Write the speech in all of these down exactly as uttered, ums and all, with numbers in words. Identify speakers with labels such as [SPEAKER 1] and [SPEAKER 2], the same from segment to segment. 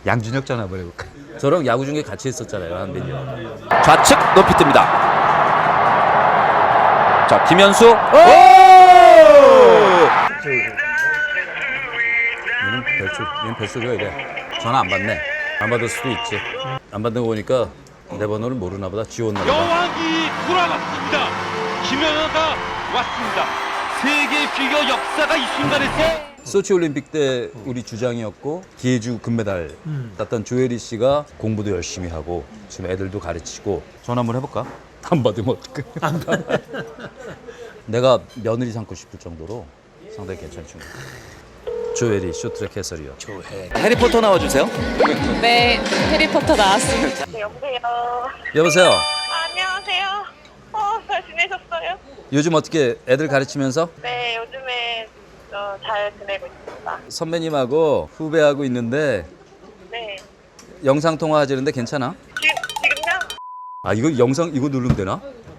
[SPEAKER 1] 양준혁 전화 한번 해볼까? 저랑 야구 중에 같이 했었잖아요, 한빈이 형.
[SPEAKER 2] 좌측 높이 뜹니다. 자, 김현수. 오!
[SPEAKER 1] 얘는 뱃속, 얘는 뱃속이야 이래. 전화 안 받네. 안 받을 수도 있지. 안 받는 거 보니까 내 번호를 모르나 보다. 지웠나 보다.
[SPEAKER 3] 여왕이 돌아왔습니다. 김연아가 왔습니다. 세계 피겨 역사가 이 순간에서
[SPEAKER 1] 소치 올림픽 때 우리 주장이었고 기회주 금메달 땄던 조혜리 씨가 공부도 열심히 하고 지금 애들도 가르치고. 전화 한번 해볼까? 안 받으면 어떡해? 안 받아. 내가 며느리 삼고 싶을 정도로 상당히 괜찮죠. 조혜리 쇼트트랙 해설이요.
[SPEAKER 2] 해리포터 나와주세요.
[SPEAKER 4] 네, 해리포터 나왔습니다.
[SPEAKER 5] 네, 여보세요.
[SPEAKER 1] 여보세요.
[SPEAKER 5] 아, 안녕하세요. 어, 잘 지내셨어요?
[SPEAKER 1] 요즘 어떻게 애들 가르치면서
[SPEAKER 5] 네, 요즘에 어, 잘 지내고 있습니다.
[SPEAKER 1] 선배님하고 후배하고 있는데
[SPEAKER 5] 네.
[SPEAKER 1] 영상 통화 하시는데 괜찮아?
[SPEAKER 5] 지금, 지금요?
[SPEAKER 1] 아 이거 영상 이거 누르면 되나?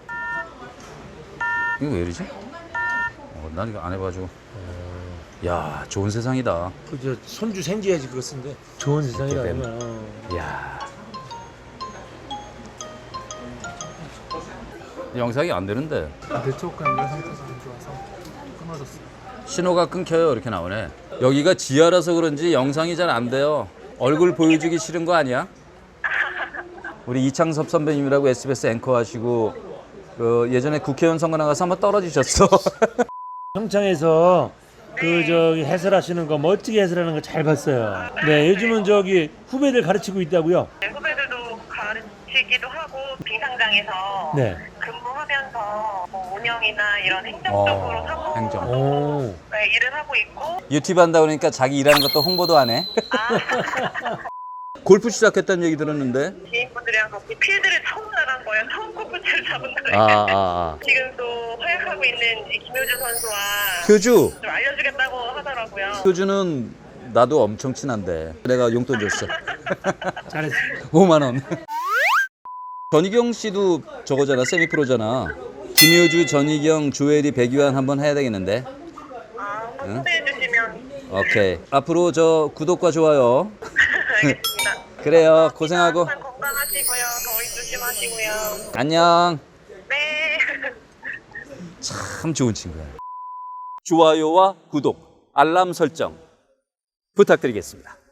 [SPEAKER 1] 이거 왜 이러지? 어, 난 이거 안 해가지고. 야 좋은 세상이다.
[SPEAKER 6] 그저 손주 생겨야지 그거 쓴데 좋은 세상이라
[SPEAKER 1] 이렇게
[SPEAKER 6] 그러면.
[SPEAKER 1] 야 영상이 안 되는데
[SPEAKER 7] 네트워크 연결 상태에서 안 좋아서 끊어졌어요.
[SPEAKER 1] 신호가 끊겨요. 이렇게 나오네. 여기가 지하라서 그런지 영상이 잘 안 돼요. 얼굴 보여주기 싫은 거 아니야? 우리 이창섭 선배님이라고 에스비에스 앵커 하시고 그 예전에 국회의원 선거 나가서 한번 떨어지셨어.
[SPEAKER 6] 평창에서 그 저기 해설하시는 거 멋지게 해설하는 거 잘 봤어요. 네, 요즘은 저기 후배들 가르치고 있다고요.
[SPEAKER 5] 네, 후배들도 가르치기도 하고 빙상장에서
[SPEAKER 6] 네.
[SPEAKER 5] 근무하면서 뭐 운영이나 이런 행정
[SPEAKER 1] 어,
[SPEAKER 5] 쪽으로 사고
[SPEAKER 1] 행정.
[SPEAKER 6] 오.
[SPEAKER 5] 네, 일을 하고 있고.
[SPEAKER 1] 유튜브 한다 그러니까 자기 일하는 것도 홍보도 안 해. 골프 시작했다는 얘기 들었는데.
[SPEAKER 5] 지인분들이랑 같이 필드를 처음 나간 거예요. 처음 골프채를 잡은 거예요.
[SPEAKER 1] 아, 아, 아.
[SPEAKER 5] 지금 또 활약하고 있는 이 김효주 선수와
[SPEAKER 1] 효주.
[SPEAKER 5] 좀 알려주겠다고 하더라고요.
[SPEAKER 1] 효주는 나도 엄청 친한데 내가 용돈 줬어.
[SPEAKER 6] 잘했어.
[SPEAKER 1] 오만 원. 전희경 씨도 저거잖아. 세미프로잖아. 김효주, 전희경, 조혜리, 백유한 한번 해야 되겠는데.
[SPEAKER 5] 아, 한번 초대해 주시면.
[SPEAKER 1] 오케이. 앞으로 저 구독과 좋아요.
[SPEAKER 5] 알겠습니다.
[SPEAKER 1] 그래요. 고생하고.
[SPEAKER 5] 항상 건강하시고요. 더위 조심하시고요.
[SPEAKER 1] 안녕.
[SPEAKER 5] 네.
[SPEAKER 1] 참 좋은 친구야. 좋아요와 구독, 알람 설정 부탁드리겠습니다.